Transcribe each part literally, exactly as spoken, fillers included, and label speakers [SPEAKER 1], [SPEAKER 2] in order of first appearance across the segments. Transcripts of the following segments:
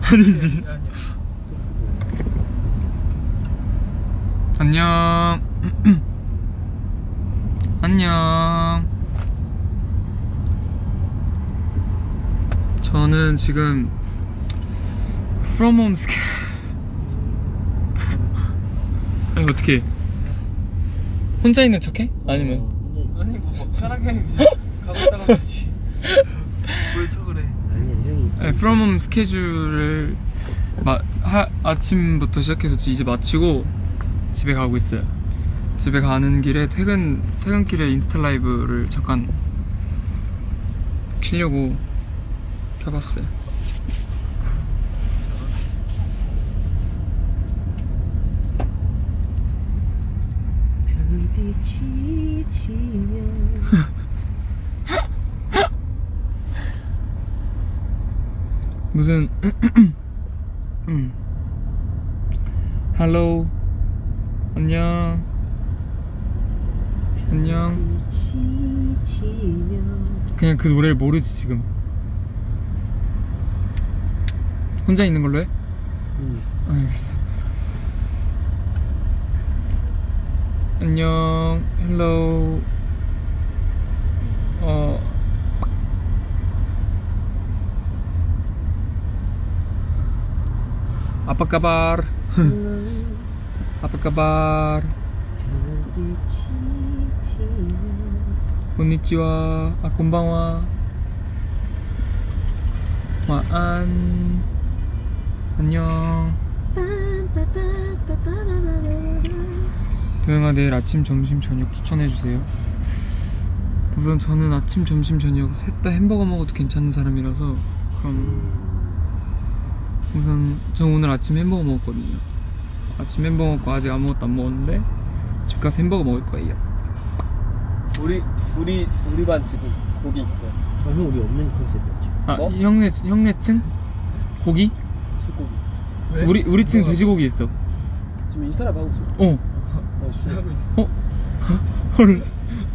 [SPEAKER 1] 아니지. 안녕. 안녕. 저는 지금 From Home 스케 아니 어떻게 혼자 있는 척해? 아니면
[SPEAKER 2] 아니 뭐 편하게 가고 있다가 그러지. 뭘 척을 해.
[SPEAKER 1] 네, From Home 스케줄을 마, 하, 아침부터 시작해서 이제 마치고 집에 가고 있어요. 집에 가는 길에 퇴근 퇴근길에 인스타 라이브를 잠깐 키려고 켜봤어요.
[SPEAKER 2] 별빛이 지면
[SPEAKER 1] 무슨 음. 헬로 안녕 안녕. 그냥 그 노래를 모르지 지금. 혼자 있는 걸로 해?
[SPEAKER 2] 응.
[SPEAKER 1] 알겠어. 안녕 헬로 어 Apa kabar? Apa kabar? Konnichiwa. Ah, konbanwa. Maan. 안녕. 도영아 내일 아침, 점심, 저녁 추천해주세요. 우선 저는 아침, 점심, 저녁 셋 다 햄버거 먹어도 괜찮은 사람이라서 그럼 우선 저 오늘 아침 햄버거 먹었거든요. 아침 햄버거 먹고 아직 아무것도 안 먹었는데 집 가서 햄버거 먹을 거예요.
[SPEAKER 2] 우리 우리 우리 반 지금 고기 있어.
[SPEAKER 3] 아, 형 우리 없는 컨셉이었지.
[SPEAKER 1] 아
[SPEAKER 2] 뭐?
[SPEAKER 1] 형네 형네층 고기?
[SPEAKER 2] 술고기.
[SPEAKER 1] 우리 우리 층 돼지고기 있어.
[SPEAKER 2] 지금 인스타라이브 하고 있어.
[SPEAKER 1] 어.
[SPEAKER 2] 어, 술 하고 있어.
[SPEAKER 1] 어? 헐.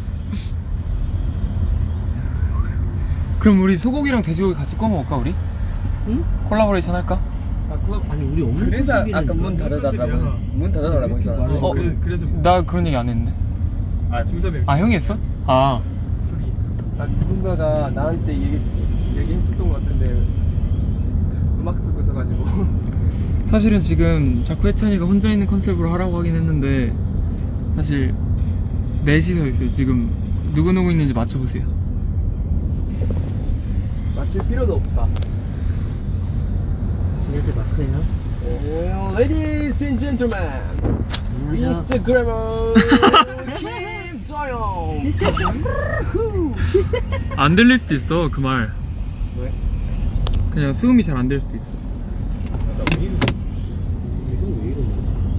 [SPEAKER 1] 그럼 우리 소고기랑 돼지고기 같이 구워 먹을까 우리?
[SPEAKER 3] 응?
[SPEAKER 1] 콜라보레이션 할까?
[SPEAKER 2] 아 그거
[SPEAKER 3] 아니 우리 없는
[SPEAKER 2] 그래서
[SPEAKER 3] 컨셉이라는
[SPEAKER 2] 아까 문
[SPEAKER 3] 거야.
[SPEAKER 2] 닫아달라고 문 닫아달라고 했잖아.
[SPEAKER 1] 어,
[SPEAKER 2] 그래, 그래서
[SPEAKER 1] 나 그런 얘기 안 했는데.
[SPEAKER 2] 아 중섭이
[SPEAKER 1] 아 형이 했어? 아
[SPEAKER 2] 소리. 아 누군가가 나한테 얘기 얘기했었던 것 같은데 음악 듣고 있어가지고.
[SPEAKER 1] 사실은 지금 자꾸 혜찬이가 혼자 있는 컨셉으로 하라고 하긴 했는데 사실 넷이서 있어요. 지금 누구누구 있는지 맞춰보세요.
[SPEAKER 2] 맞출 필요도 없다.
[SPEAKER 3] 이제 마크예요.
[SPEAKER 2] 오, Ladies and gentlemen, 인스타그래머 김조영.
[SPEAKER 1] 안 들릴 수도 있어 그 말.
[SPEAKER 2] 왜?
[SPEAKER 1] 그냥 수음이 잘 안 될 수도 있어.
[SPEAKER 3] 이거 왜 이러냐?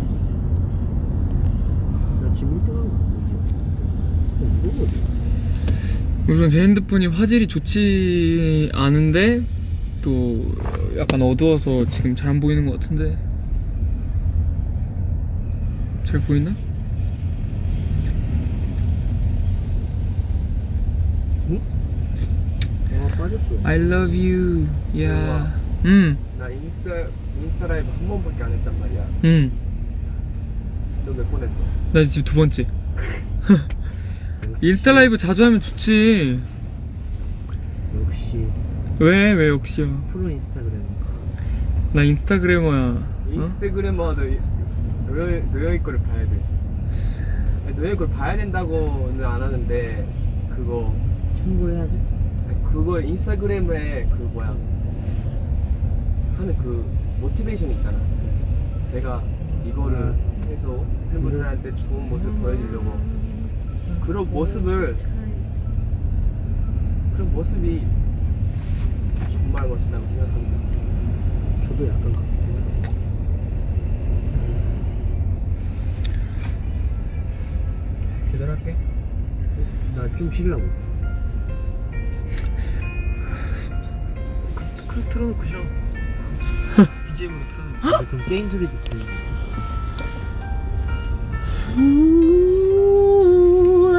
[SPEAKER 3] 나 지금 일 등 한 거 아니야? 이거 뭐지?
[SPEAKER 1] 우선 제 핸드폰이 화질이 좋지 않은데 또 약간 어두워서 지금 잘 안 보이는 것 같은데 잘 보이나?
[SPEAKER 3] 응? 아 빠졌어.
[SPEAKER 1] I love you. 야.
[SPEAKER 2] 우와.
[SPEAKER 1] 음.
[SPEAKER 2] 나 인스타 인스타 라이브 한 번밖에 안 했단 말이야.
[SPEAKER 1] 음.
[SPEAKER 2] 너 몇 번 했어?
[SPEAKER 1] 나 지금 두 번째. 인스타 라이브 자주 하면 좋지.
[SPEAKER 3] 역시
[SPEAKER 1] 왜? 왜 역시야?
[SPEAKER 3] 프로 인스타그램.
[SPEAKER 1] 나 인스타그래머야. 어?
[SPEAKER 2] 인스타그래머도 노여 노여이 거를 봐야 돼. 아니, 노여이 걸 봐야 된다고는 안 하는데 그거
[SPEAKER 3] 참고해야 돼.
[SPEAKER 2] 아니, 그거 인스타그램에 그 뭐야 하는 그 모티베이션 있잖아. 내가 이거를 해서 팬분들한테 좋은 모습 보여주려고 그런 모습을 그런 모습이 정말 멋지다고 생각합니다.
[SPEAKER 3] 저도 약간 그렇게 생각해.
[SPEAKER 2] 제대로 할게.
[SPEAKER 3] 나 좀 쉬려고.
[SPEAKER 2] 그 틀어놓고 쉬어. 비지엠으로 틀어놓고.
[SPEAKER 3] 아, 그럼 게임 소리도 들리네.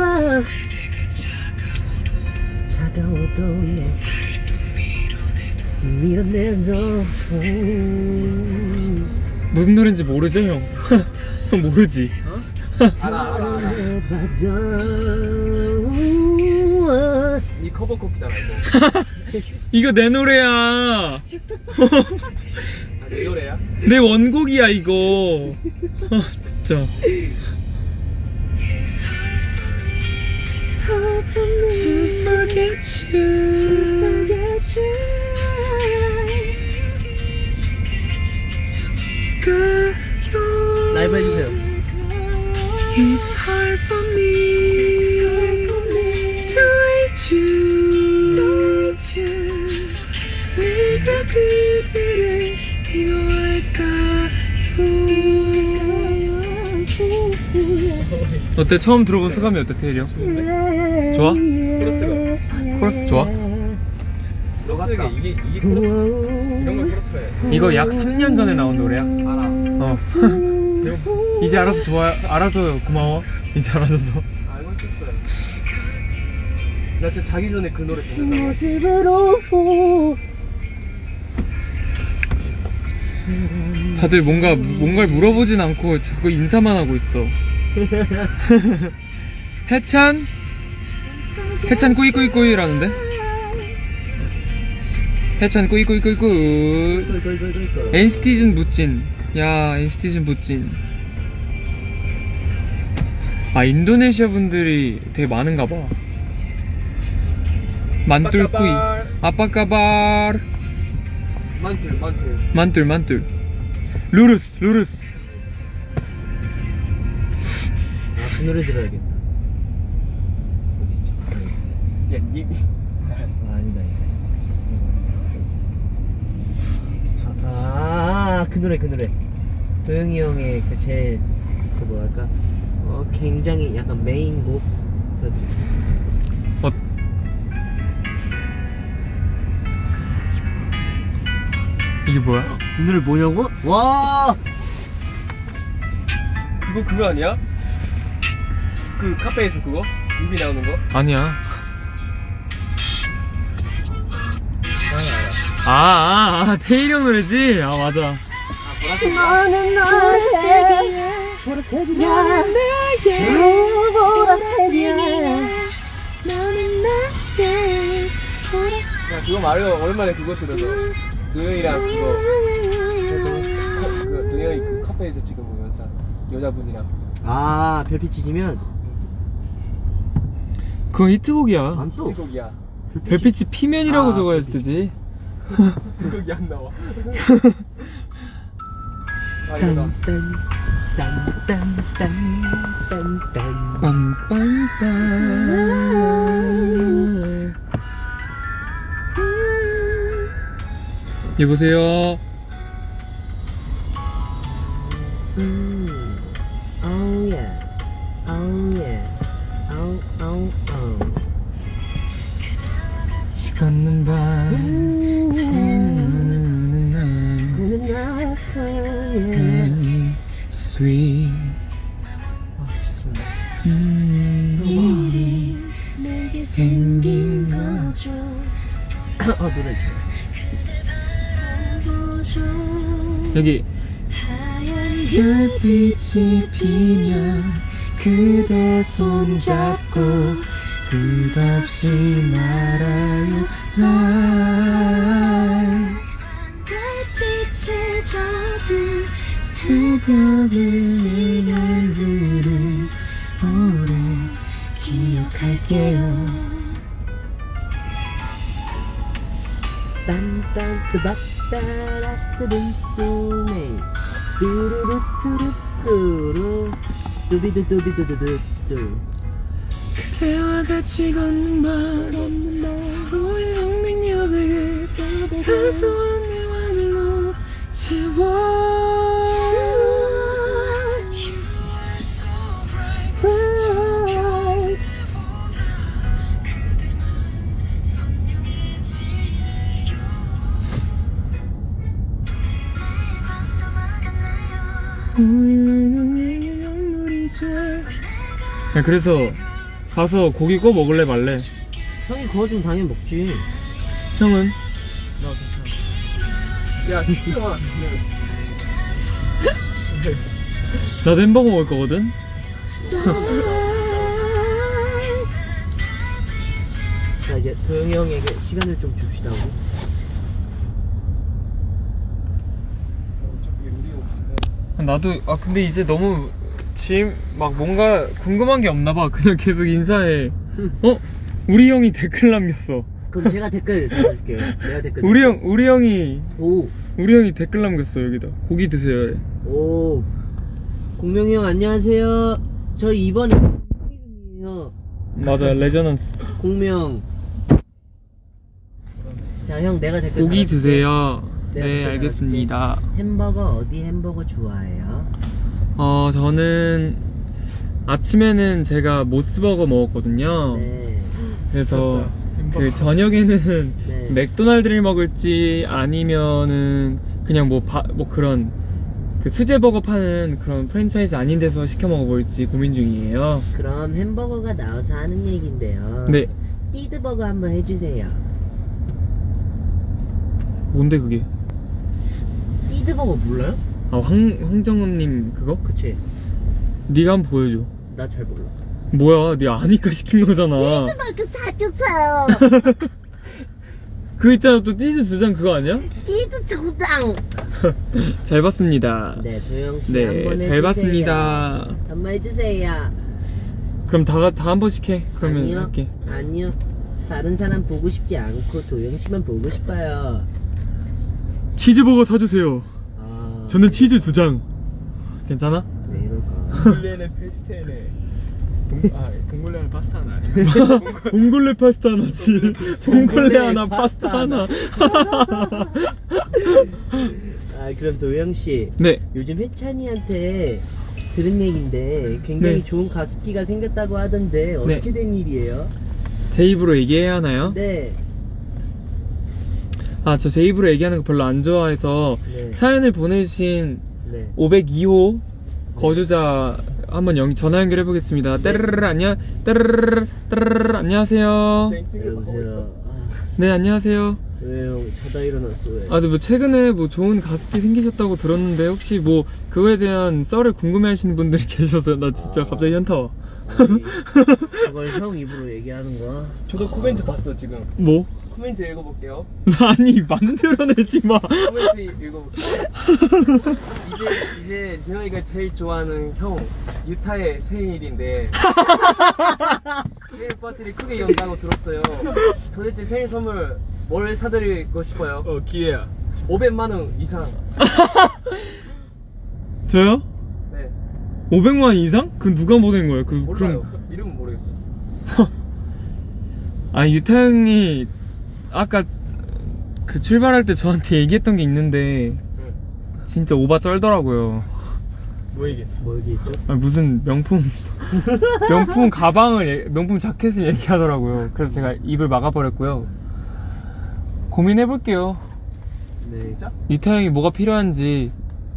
[SPEAKER 3] 차가워도 너 밀어내줘.
[SPEAKER 1] 무슨 노래인지 모르죠 형? 형 모르지?
[SPEAKER 2] 알아 알아 알아. 이 커버 곡이잖아 이거.
[SPEAKER 1] 이거 내 노래야.
[SPEAKER 2] 아, 내 노래야?
[SPEAKER 1] 내 원곡이야 이거. 아 진짜. To forget you.
[SPEAKER 3] 라이브 해주세요.
[SPEAKER 1] It's hard for me to hate you. 내가 그대를 미워할까요? 어때? 처음 들어본 소감이 어때, 태일이 형? 좋아?
[SPEAKER 2] 코러스가
[SPEAKER 1] 코러스 좋아?
[SPEAKER 2] 코러스가 이게 이게 코러스 이런 걸 코러스가 해.
[SPEAKER 1] 이거 약 삼 년 전에 나온 노래야.
[SPEAKER 2] 알아.
[SPEAKER 1] 어. 이제 알아서 좋아, 알아서 고마워. 이제 알아줘서.
[SPEAKER 2] 알고 있었어요. 나 진짜 자기 전에 그 노래 듣는다.
[SPEAKER 3] 모습으로
[SPEAKER 1] 다들 뭔가 뭔가를 물어보진 않고 자꾸 인사만 하고 있어. 해찬? 해찬 꾸이꾸이꾸이라는데? 해찬 꾸이꾸이꾸이꾸이. 엔시티즌 무찐. 야, 엔시티즌 무찐. 아, 인도네시아 분들이 되게 많은가 봐. 만뚫꾸이. 아빠까발.
[SPEAKER 2] 만틀 만틀.
[SPEAKER 1] 만뚫 만뚫. 루루스 루루스.
[SPEAKER 3] 아, 그 노래 들어야겠다.
[SPEAKER 2] 야, 니
[SPEAKER 3] 아, 아니다, 아니다. 아, 아, 그 노래, 그 노래. 도영이 형의 그 제, 그 뭐랄까, 어, 굉장히 약간 메인곡.
[SPEAKER 1] 어. 이게 뭐야?
[SPEAKER 3] 이 노래 뭐냐고? 와!
[SPEAKER 2] 그거 그거 아니야? 그 카페에서 그거? 뮤비 나오는 거?
[SPEAKER 1] 아니야.
[SPEAKER 2] 알아 알아.
[SPEAKER 1] 아, 아, 아, 태일이 형 노래지? 아, 맞아.
[SPEAKER 3] 너는 보라색이야. 보라색이야. 나는 내게. 보라색이야. 너는 내게.
[SPEAKER 2] 야, 그거 말고 오랜만에 그거 들어서 노영이랑 그거 그, 그 노영이 그 카페에서 찍은 거 연사 여자분이랑.
[SPEAKER 3] 아, 별빛이 지면
[SPEAKER 1] 그거 히트곡이야.
[SPEAKER 3] 안 또.
[SPEAKER 2] 곡이야.
[SPEAKER 1] 별빛이 피면이라고
[SPEAKER 3] 아,
[SPEAKER 1] 적어야지 되지.
[SPEAKER 2] 곡이 안 나와. 아 이거다.
[SPEAKER 3] 딴딴딴딴딴딴.
[SPEAKER 1] 빰빰빰. 여보세요.
[SPEAKER 3] 음. Oh yeah. Oh yeah. Oh oh oh.
[SPEAKER 1] 같이 걷는 밤.
[SPEAKER 3] 그는 나의
[SPEAKER 1] sweet. 음,
[SPEAKER 4] 내게 생긴 거죠.
[SPEAKER 3] 어 노래
[SPEAKER 4] 보죠.
[SPEAKER 1] 여기
[SPEAKER 4] 하얀
[SPEAKER 1] 별빛이 피면 그대 손잡고 끝없이 날아요 날
[SPEAKER 4] 별빛에 젖은
[SPEAKER 1] 새벽의 시간들을 오래 기억할게요.
[SPEAKER 3] 딴딴뜨박따라스뜨둥뚜네 뚜루루뚜루뚜루 뚜비두뚜비두두뚜.
[SPEAKER 1] 그대와 같이 걷는 밤 서로의 성민 여백을 사소한 대화들로 채워. 야, 그래서 가서 고기 구워 먹을래 말래?
[SPEAKER 3] 형이 그거 좀 당연히 먹지.
[SPEAKER 1] 형은?
[SPEAKER 3] 나 괜찮아.
[SPEAKER 2] 야 진짜
[SPEAKER 1] 나도 햄버거 먹을 거거든.
[SPEAKER 3] 자 이제 도영이 형에게 시간을 좀 줍시다. 우리.
[SPEAKER 2] 어차피 우리 없으면
[SPEAKER 1] 나도 아 근데 이제 너무 지금 막 뭔가 궁금한 게 없나 봐. 그냥 계속 인사해. 어? 우리 형이 댓글 남겼어.
[SPEAKER 3] 그럼 제가 댓글 달아줄게요. 내가 댓글.
[SPEAKER 1] 우리 형 우리 형이
[SPEAKER 3] 오.
[SPEAKER 1] 우리 형이 댓글 남겼어 여기다. 고기 드세요.
[SPEAKER 3] 오. 공명이 형 안녕하세요. 저 이번 이름이에요.
[SPEAKER 1] 맞아 레저넌스.
[SPEAKER 3] 공명. 자 형 내가 댓글.
[SPEAKER 1] 고기
[SPEAKER 3] 달아줄게.
[SPEAKER 1] 드세요.
[SPEAKER 3] 내가
[SPEAKER 1] 네
[SPEAKER 3] 댓글
[SPEAKER 1] 알겠습니다.
[SPEAKER 3] 달아줄게. 햄버거 어디 햄버거 좋아해요?
[SPEAKER 1] 어 저는 아침에는 제가 모스버거 먹었거든요.
[SPEAKER 3] 네.
[SPEAKER 1] 그래서
[SPEAKER 2] 햄버거.
[SPEAKER 1] 그 저녁에는
[SPEAKER 3] 네.
[SPEAKER 1] 맥도날드를 먹을지 아니면은 그냥 뭐 뭐 그런 그 수제버거 파는 그런 프랜차이즈 아닌 데서 시켜 먹어볼지 고민 중이에요.
[SPEAKER 3] 그럼 햄버거가 나와서 하는 얘기인데요.
[SPEAKER 1] 네.
[SPEAKER 3] 띠드버거 한번 해주세요.
[SPEAKER 1] 뭔데 그게?
[SPEAKER 3] 띠드버거 몰라요?
[SPEAKER 1] 아 황, 황정음님 그거?
[SPEAKER 3] 그치.
[SPEAKER 1] 네가 한번 보여줘.
[SPEAKER 3] 나 잘 몰라.
[SPEAKER 1] 뭐야 네 아니까 시킨 거잖아.
[SPEAKER 3] 띠드버거 사주세요.
[SPEAKER 1] 그 있잖아 또 띠즈 두 장 그거 아니야?
[SPEAKER 3] 띠드 두장.
[SPEAKER 1] 잘 봤습니다.
[SPEAKER 3] 네 도영씨
[SPEAKER 1] 네,
[SPEAKER 3] 한번 해주세요.
[SPEAKER 1] 잘 봤습니다.
[SPEAKER 3] 한번 해주세요.
[SPEAKER 1] 그럼 다 다 한 번씩 해. 그러면
[SPEAKER 3] 아니요.
[SPEAKER 1] 할게.
[SPEAKER 3] 아니요. 다른 사람 보고 싶지 않고 도영씨만 보고 싶어요.
[SPEAKER 1] 치즈버거 사주세요.
[SPEAKER 3] 아,
[SPEAKER 1] 저는 치즈 두 장. 괜찮아?
[SPEAKER 3] 왜 이럴까?
[SPEAKER 2] 동굴레는 페스테네 동, 아 동굴레는 파스타는 아니야
[SPEAKER 1] 봉골레 파스타 하나지. 봉골레 하나
[SPEAKER 3] 파스타
[SPEAKER 1] 파스타 하나.
[SPEAKER 3] 아 그럼 도영씨
[SPEAKER 1] 네.
[SPEAKER 3] 요즘 혜찬이한테 들은 얘긴데 굉장히
[SPEAKER 1] 네.
[SPEAKER 3] 좋은 가습기가 생겼다고 하던데 어떻게 된 일이에요?
[SPEAKER 1] 제 입으로 얘기해야 하나요?
[SPEAKER 3] 네.
[SPEAKER 1] 아, 저 제 입으로 얘기하는 거 별로 안 좋아해서
[SPEAKER 3] 네.
[SPEAKER 1] 사연을 보내주신
[SPEAKER 3] 네.
[SPEAKER 1] 오백이 호 거주자 한번 연, 전화 연결해 보겠습니다. 따르르르 안녕, 따르르르 따르르르 안녕하세요.
[SPEAKER 3] 여보세요. 아,
[SPEAKER 1] 네 안녕하세요.
[SPEAKER 3] 왜요? 자다 일어났어 왜?
[SPEAKER 1] 아, 근데 뭐 최근에 뭐 좋은 가습기 생기셨다고 들었는데 혹시 뭐 그거에 대한 썰을 궁금해하시는 분들이 계셔서 나 진짜
[SPEAKER 3] 아.
[SPEAKER 1] 갑자기 현타 와.
[SPEAKER 3] 아니, 그걸 형 입으로 얘기하는 거야?
[SPEAKER 2] 저도 코멘트 봤어 지금
[SPEAKER 1] 뭐?
[SPEAKER 2] 코멘트 읽어볼게요
[SPEAKER 1] 아니 만들어내지 마.
[SPEAKER 2] 코멘트 읽어볼게요 이제 이제 재영이가 제일 좋아하는 형 유타의 생일인데 생일 파티를 크게 연다고 들었어요. 도대체 생일 선물 뭘 사드리고 싶어요?
[SPEAKER 1] 어 기회야.
[SPEAKER 2] 오백만 원 이상.
[SPEAKER 1] 저요?
[SPEAKER 2] 네
[SPEAKER 1] 오백만 원 이상? 그 누가 보낸 거예요? 그
[SPEAKER 2] 몰라요.
[SPEAKER 1] 그럼
[SPEAKER 2] 이름은 모르겠어.
[SPEAKER 1] 아니 유타 형이 아까 그 출발할 때 저한테 얘기했던 게 있는데
[SPEAKER 2] 응.
[SPEAKER 1] 진짜 오바 쩔더라고요.
[SPEAKER 2] 뭐 얘기했어?
[SPEAKER 3] 뭐 얘기했죠?
[SPEAKER 1] 아니, 무슨 명품 명품 가방을 얘- 명품 자켓을 얘기하더라고요. 그래서 제가 입을 막아버렸고요. 고민해볼게요.
[SPEAKER 3] 네.
[SPEAKER 2] 진짜?
[SPEAKER 1] 유타 형이 뭐가 필요한지.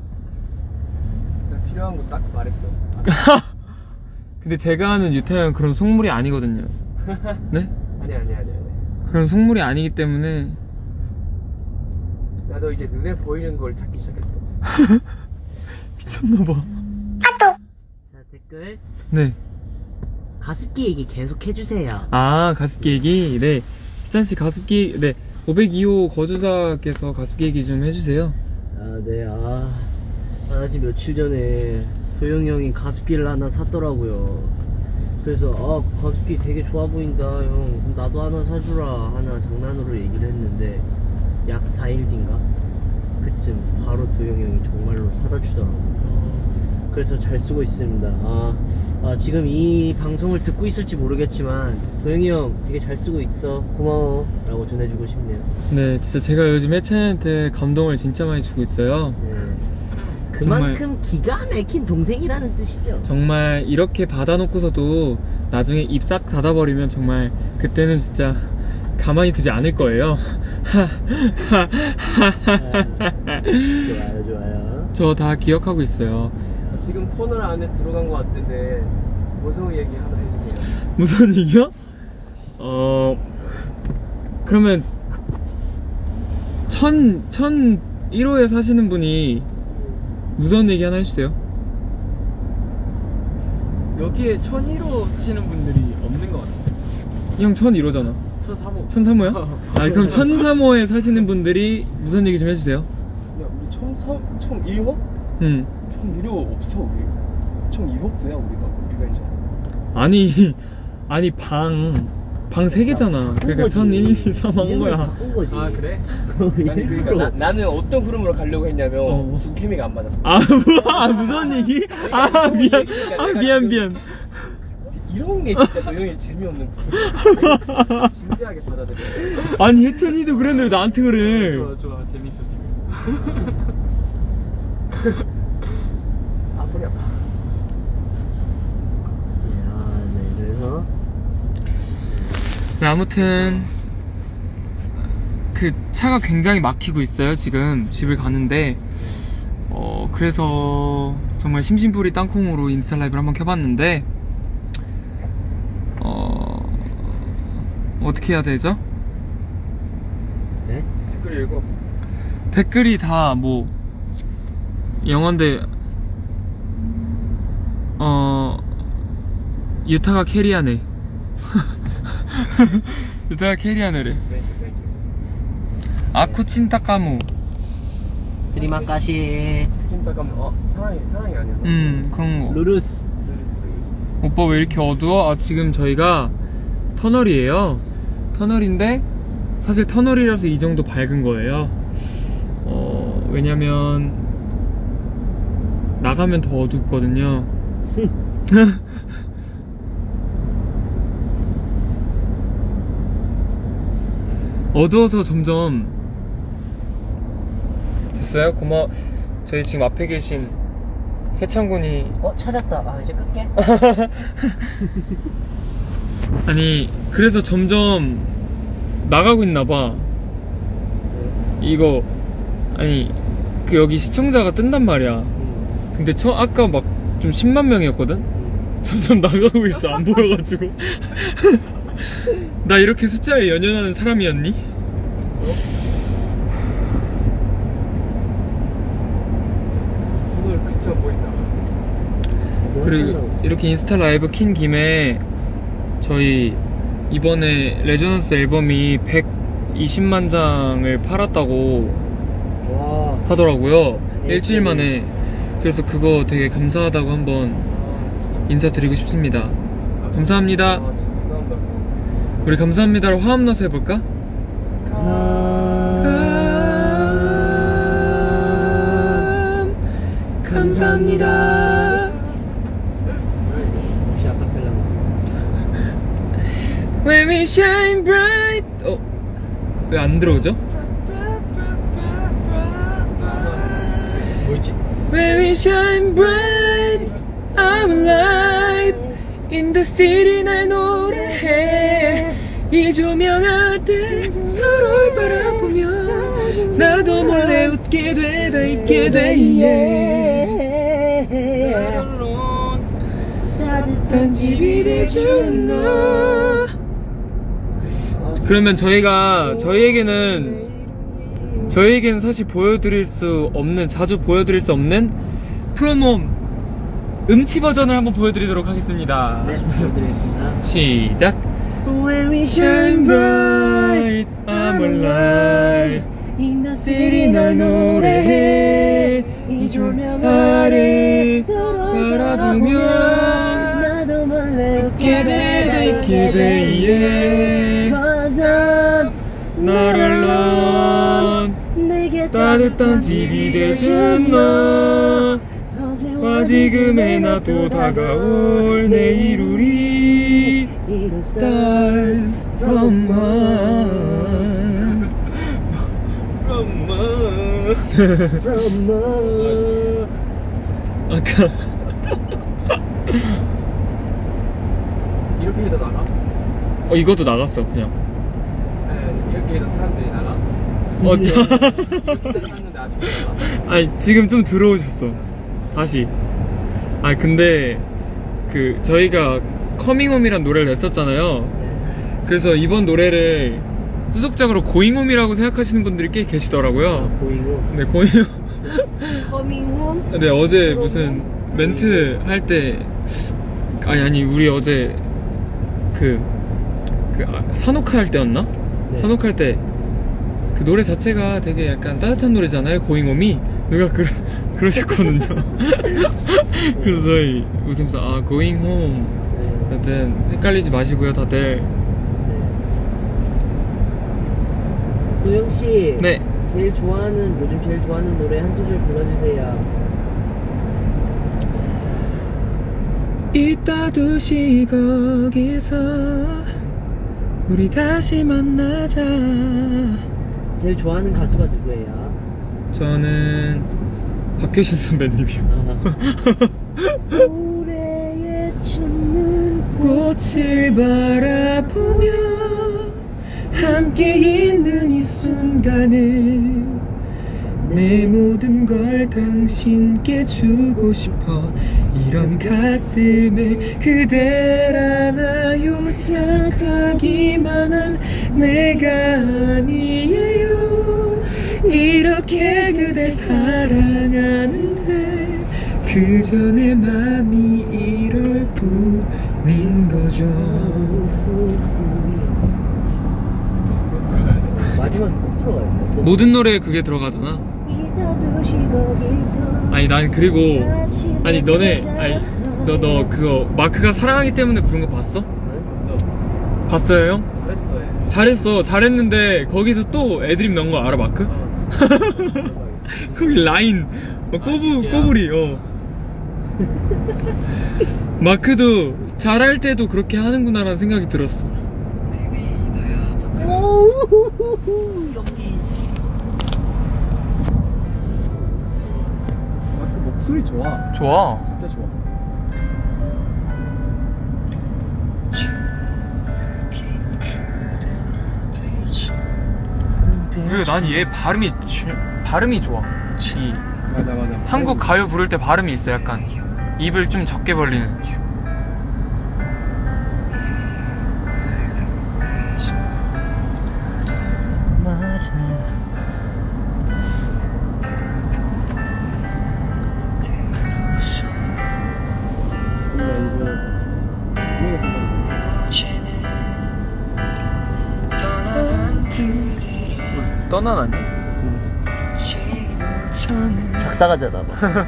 [SPEAKER 2] 나 필요한 거 딱 말했어.
[SPEAKER 1] 근데 제가 아는 유타 형은 그런 속물이 아니거든요. 네?
[SPEAKER 2] 아니 아니 아니 아니.
[SPEAKER 1] 그런 속물이 아니기 때문에.
[SPEAKER 2] 나도 이제 눈에 보이는 걸 찾기 시작했어.
[SPEAKER 1] 미쳤나봐.
[SPEAKER 3] 자 댓글
[SPEAKER 1] 네.
[SPEAKER 3] 가습기 얘기 계속 해주세요.
[SPEAKER 1] 아 가습기 얘기. 네 희찬씨 가습기. 네 오백이 호 거주자께서 가습기 얘기 좀 해주세요.
[SPEAKER 3] 아, 네, 아. 아, 나 지금 며칠 전에 도영이 형이 가습기를 하나 샀더라고요. 그래서, 아, 가습기 되게 좋아 보인다, 형. 그럼 나도 하나 사주라. 하나 장난으로 얘기를 했는데, 약 사 일 뒤인가? 그쯤 바로 도영이 형이 정말로 사다 주더라고요. 그래서 잘 쓰고 있습니다. 아, 아, 지금 이 방송을 듣고 있을지 모르겠지만, 도영이 형 되게 잘 쓰고 있어. 고마워. 라고 전해주고 싶네요.
[SPEAKER 1] 네 진짜 제가 요즘 혜찬이한테 감동을 진짜 많이 주고 있어요.
[SPEAKER 3] 네. 그만큼 기가 막힌 동생이라는 뜻이죠.
[SPEAKER 1] 정말 이렇게 받아놓고서도 나중에 입 싹 닫아버리면 정말 그때는 진짜 가만히 두지 않을 거예요.
[SPEAKER 3] 좋아요, 좋아요.
[SPEAKER 1] 저 다 기억하고 있어요.
[SPEAKER 2] 지금 터널 안에 들어간 것 같은데 무서운 얘기 하나 해주세요.
[SPEAKER 1] 무슨 얘기요? 어 그러면 천, 천 일 호에 사시는 분이 무서운 얘기 하나 해주세요.
[SPEAKER 2] 여기에 천일 호 사시는 분들이 없는 것 같아요.
[SPEAKER 1] 형 천일 호잖아.
[SPEAKER 2] 천삼 호.
[SPEAKER 1] 천삼 호야? 아 그럼 천삼 호에 사시는 분들이 무서운 얘기 좀 해주세요.
[SPEAKER 2] 야, 우리 천삼, 천일 호?
[SPEAKER 1] 응.
[SPEAKER 2] 천일 호 없어, 우리. 천이 호부터야, 우리가. 우리가 이제.
[SPEAKER 1] 아니 아니 방 방 세 개잖아. 그러니까 천일, 이, 삼 한 거야.
[SPEAKER 3] 바꾼 거지.
[SPEAKER 2] 아, 그래? 아니, 그러니까 나, 나는 어떤 흐름으로 가려고 했냐면,
[SPEAKER 1] 어.
[SPEAKER 2] 지금 케미가 안 맞았어.
[SPEAKER 1] 아 뭐야? 무서운 얘기? 아 미안. 아 미안 미안.
[SPEAKER 2] 이런 게 진짜 너형이 재미없는 거야. 진지하게 받아들여.
[SPEAKER 1] 아니 혜천이도 그랬는데 왜 나한테 그래?
[SPEAKER 2] 좋아, 좋아. 재밌어, 지금. 아, 허리 아파.
[SPEAKER 3] 야, 네, 그래서
[SPEAKER 1] 네, 아무튼 그 차가 굉장히 막히고 있어요. 지금 집을 가는데 어 그래서 정말 심심풀이 땅콩으로 인스타 라이브를 한번 켜봤는데 어 어떻게 해야 되죠?
[SPEAKER 3] 네?
[SPEAKER 2] 댓글 읽어.
[SPEAKER 1] 댓글이 다 뭐 영어인데 어 유타가 캐리하네. 유타가 캐리하네래. 아쿠친타카무.
[SPEAKER 3] 드리마카시
[SPEAKER 2] 지금 잠깐만. 어, 사랑이, 사랑이 아니야.
[SPEAKER 1] 음 그런 거.
[SPEAKER 3] 루루스.
[SPEAKER 2] 루루스, 루루스.
[SPEAKER 1] 오빠 왜 이렇게 어두워? 아 지금 저희가 터널이에요. 터널인데 사실 터널이라서 이 정도 밝은 거예요. 어 왜냐면 나가면 더 어둡거든요. 어두워서 점점 됐어요? 고마워. 저희 지금 앞에 계신 해창군이
[SPEAKER 3] 어, 찾았다. 아, 이제 끌게.
[SPEAKER 1] 아니 그래서 점점 나가고 있나봐. 이거 아니 그 여기 시청자가 뜬단 말이야.
[SPEAKER 3] 음.
[SPEAKER 1] 근데 처 아까 막 좀 십만 명이었거든? 점점 나가고 있어. 안 보여가지고. 나 이렇게 숫자에 연연하는 사람이었니?
[SPEAKER 2] 오늘 그쳐 보인다.
[SPEAKER 1] 그리고 이렇게 인스타 라이브 킨 김에 저희 이번에 레저넌스 앨범이 백이십만 장을 팔았다고
[SPEAKER 3] 와.
[SPEAKER 1] 하더라고요.
[SPEAKER 3] 네,
[SPEAKER 1] 일주일 만에. 그래서 그거 되게 감사하다고 한번 인사드리고 싶습니다. 감사합니다.
[SPEAKER 2] 아, 진짜 감사합니다.
[SPEAKER 1] 우리 감사합니다로 화음 넣어서 해볼까? 감사합니다.
[SPEAKER 3] 혹시 아카펠라?
[SPEAKER 1] When we shine bright. 어? 왜 안 들어오죠?
[SPEAKER 2] 뭐였지?
[SPEAKER 1] When we shine bright, I'm alive. In the city 날 노래해. 이 조명 아래 서로를 바라보며 나도 몰래 웃게 돼, 다 있게 돼. Yeah. 따뜻한 집이 돼준 너. 그러면 저희가 저희에게는 저희에게는 사실 보여드릴 수 없는, 자주 보여드릴 수 없는 프로모 음치 버전을 한번 보여드리도록 하겠습니다.
[SPEAKER 3] 네, 보여드리겠습니다.
[SPEAKER 1] 시작.
[SPEAKER 3] When we
[SPEAKER 1] Shine bright, I'm alive.
[SPEAKER 3] in the
[SPEAKER 1] city 날 노래해. 이 조명 아래 바라보며
[SPEAKER 3] 나도 몰래
[SPEAKER 1] 웃게 돼, 다 있게 돼. Yeah.
[SPEAKER 3] Cause I'm
[SPEAKER 1] 널 alone.
[SPEAKER 3] 내게
[SPEAKER 1] 따뜻한 집이 돼준 너. 와 지금의 나도 다가올 내일 우리 Stars from one.
[SPEAKER 2] 엄마.
[SPEAKER 3] From more.
[SPEAKER 1] 아까
[SPEAKER 2] 이렇게 해도 나가?
[SPEAKER 1] 어 이것도 나갔어 그냥.
[SPEAKER 2] 네, 이렇게 해도 사람들이 나가?
[SPEAKER 1] 어 저.
[SPEAKER 2] 샀는데 아직 못 나가?
[SPEAKER 1] 아니 지금 좀 들어오셨어 다시. 아 근데 그 저희가 커밍홈이란 노래를 냈었잖아요. 그래서 이번 노래를 후속작으로 고잉홈이라고 생각하시는 분들이 꽤 계시더라고요.
[SPEAKER 3] 보이고
[SPEAKER 1] 네, 고잉홈.
[SPEAKER 3] 커밍홈?
[SPEAKER 1] 근데 어제 무슨 멘트 할 때 아니 아니 우리 어제 그, 그 아, 산옥화 할 때였나?
[SPEAKER 3] 네.
[SPEAKER 1] 산옥화 할 때 그 노래 자체가 되게 약간 따뜻한 노래잖아요. 고잉홈이 누가 그, 그러셨거든요. 그래서 저희 웃으면서 아 고잉홈
[SPEAKER 3] 네.
[SPEAKER 1] 여튼 헷갈리지 마시고요 다들.
[SPEAKER 3] 도영씨
[SPEAKER 1] 네.
[SPEAKER 3] 제일 좋아하는 요즘 제일 좋아하는 노래 한 소절 불러주세요.
[SPEAKER 1] 이따 두시 거기서 우리 다시 만나자.
[SPEAKER 3] 제일 좋아하는 가수가 누구예요?
[SPEAKER 1] 저는 박효신 선배님이요.
[SPEAKER 3] 올해에 춤는
[SPEAKER 1] 꽃을 바라보며 함께 있는 이 순간을 내 모든 걸 당신께 주고 싶어. 이런 가슴에 그댈 안아요. 착하기만 한 내가 아니에요. 이렇게 그댈 사랑하는데 그저 내 맘이 이럴 뿐인 거죠.
[SPEAKER 3] 마지막 꼭 들어가요. 또.
[SPEAKER 1] 모든 노래에 그게 들어가잖아.
[SPEAKER 3] 이따 두시 거기서
[SPEAKER 1] 아니 난 그리고
[SPEAKER 3] 다시
[SPEAKER 1] 아니 너네
[SPEAKER 3] 만나자.
[SPEAKER 1] 아니 너 너 그거 마크가 사랑하기 때문에 부른 거 봤어? 봤어요 형?
[SPEAKER 2] 잘했어 얘.
[SPEAKER 1] 잘했어 잘했는데 거기서 또 애드립 넣은 거 알아 마크? 거기 라인 어, 꼬부
[SPEAKER 2] 진짜요?
[SPEAKER 1] 꼬부리 어 마크도 잘할 때도 그렇게 하는구나라는 생각이 들었어.
[SPEAKER 3] 오우후후후, 연기.
[SPEAKER 2] 마크 목소리 좋아.
[SPEAKER 1] 좋아.
[SPEAKER 2] 진짜 좋아.
[SPEAKER 1] 그리고 난 얘 발음이 지- 발음이 좋아. 이
[SPEAKER 2] 맞아 맞아.
[SPEAKER 1] 한국 가요 부를 때 발음이 있어. 약간 입을 좀 적게 벌리는. 떠나나니?
[SPEAKER 3] 작사가잖아. 봐.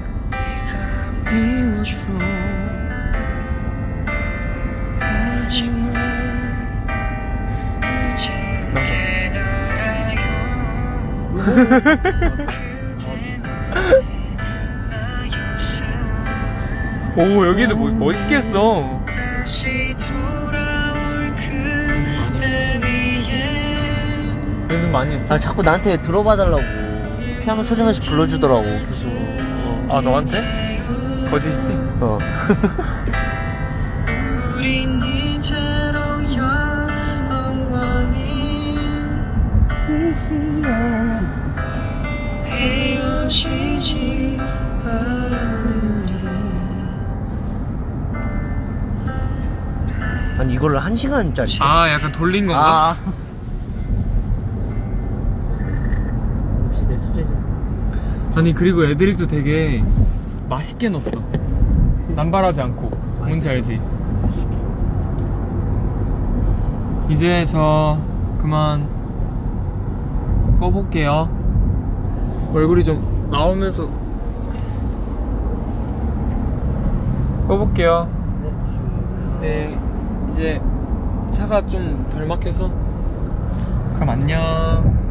[SPEAKER 1] 오 여기도 뭐, 멋있게 했어. 연습 많이 했어?
[SPEAKER 3] 아 자꾸 나한테 들어봐 달라고 피아노 쳐주면서 불러주더라고 계속.
[SPEAKER 1] 아 너한테? 거짓이지?
[SPEAKER 3] 어. 아니 이걸로 한 시간짜리.
[SPEAKER 1] 아 약간 돌린 건가?
[SPEAKER 3] 아. 역시 내 수제자.
[SPEAKER 1] 아니 그리고 애드립도 되게 맛있게 넣었어. 남발하지 않고. 뭔지 알지? 이제 저 그만 꺼볼게요. 얼굴이 좀 나오면서 꺼볼게요. 네, 이제 차가 좀 덜 막혀서 그럼 안녕.